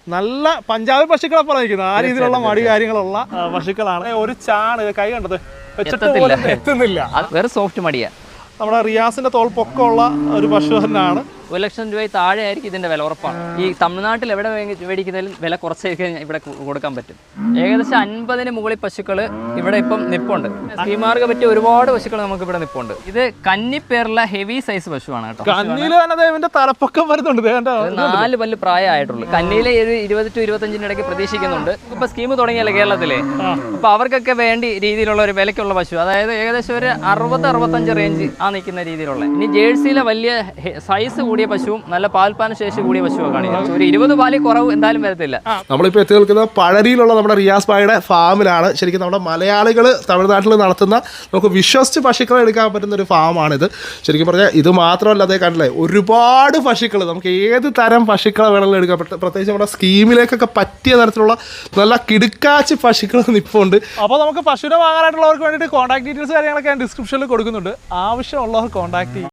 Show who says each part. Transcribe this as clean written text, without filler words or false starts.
Speaker 1: നല്ല പഞ്ചാബി പശുക്കളെ പോലെ നിൽക്കുന്നത് ആ രീതിയിലുള്ള മടി കാര്യങ്ങളുള്ള പശുക്കളാണ്. ഒരു ചാണ് കൈ കണ്ടത് വെച്ചിട്ട് എത്തുന്നില്ല,
Speaker 2: വേറെ സോഫ്റ്റ് മടിയാ.
Speaker 1: നമ്മുടെ റിയാസിന്റെ തോൾ പൊക്കമുള്ള ഒരു പശു തന്നെയാണ്.
Speaker 2: 1 ലക്ഷം രൂപ താഴെ ആയിരിക്കും ഇതിന്റെ വില, ഉറപ്പാണ്. ഈ തമിഴ്നാട്ടിൽ എവിടെ മേടിക്കുന്നതിലും വില കുറച്ചൊക്കെ ഇവിടെ കൊടുക്കാൻ പറ്റും. ഏകദേശം 50-ന് മുകളിൽ പശുക്കൾ ഇവിടെ ഇപ്പം നിപ്പുണ്ട്. സ്കീമാർക്ക് പറ്റിയ ഒരുപാട് പശുക്കൾ നമുക്ക് ഇവിടെ നിപ്പുണ്ട്. ഇത് കന്നിപ്പേറുള്ള ഹെവി സൈസ് പശുവാണ് കേട്ടോ.
Speaker 1: കന്നിയിൽ തന്നെ ഇവന്റെ തലപ്പൊക്കം വരുന്നുണ്ട്.
Speaker 2: 4 പല്ല് പ്രായമായിട്ടുള്ളൂ. കന്നിയിലെ 20 to 25 ഇടയ്ക്ക് പ്രതീക്ഷിക്കുന്നുണ്ട്. ഇപ്പൊ സ്കീം തുടങ്ങിയല്ലേ കേരളത്തിലെ, അപ്പൊ അവർക്കൊക്കെ വേണ്ടി രീതിയിലുള്ള ഒരു വിലക്കുള്ള പശു, അതായത് ഏകദേശം ഒരു 60-65 റേഞ്ച് ആ നിൽക്കുന്ന രീതിയിലുള്ള. ഇനി ജേഴ്സിയിലെ വലിയ സൈസ് കൂടിയ പശുവും നല്ല പാൽപ്പാന ശേഷി കൂടിയ പശുവൊക്കെയാണ്. ഒരു 20 പാലിൽ കുറവ് എന്തായാലും വരത്തില്ല.
Speaker 1: നമ്മളിപ്പോൾ എത്തി നിൽക്കുന്നത് പഴരിയിലുള്ള നമ്മുടെ റിയാസ് ഭായിയുടെ ഫാമിലാണ്. ശരിക്കും നമ്മുടെ മലയാളികൾ തമിഴ്നാട്ടിൽ നടത്തുന്ന നമുക്ക് വിശ്വസിച്ച് പശുക്കളെ എടുക്കാൻ പറ്റുന്ന ഒരു ഫാമാണിത്. ശരിക്കും പറഞ്ഞാൽ ഇത് മാത്രമല്ല, അതേ കണ്ടില്ലേ ഒരുപാട് പശുക്കൾ, നമുക്ക് ഏത് തരം പശുക്കളെ വേണമെങ്കിലും എടുക്കാൻ പറ്റും. പ്രത്യേകിച്ച് നമ്മുടെ സ്കീമിലേക്കൊക്കെ പറ്റിയ തരത്തിലുള്ള നല്ല കിടുക്കാച്ച് പശുക്കൾ നിൽപ്പുണ്ട്. അപ്പോൾ നമുക്ക് പശുവിനെ വാങ്ങാനായിട്ടുള്ളവർക്ക് വേണ്ടിയിട്ട് കോൺടാക്ട് ഡീറ്റെയിൽസ് കാര്യങ്ങളൊക്കെ ഞാൻ ഡിസ്ക്രിപ്ഷനിൽ കൊടുക്കുന്നുണ്ട്. ആവശ്യമുള്ളവർ കോൺടാക്ട് ചെയ്യും.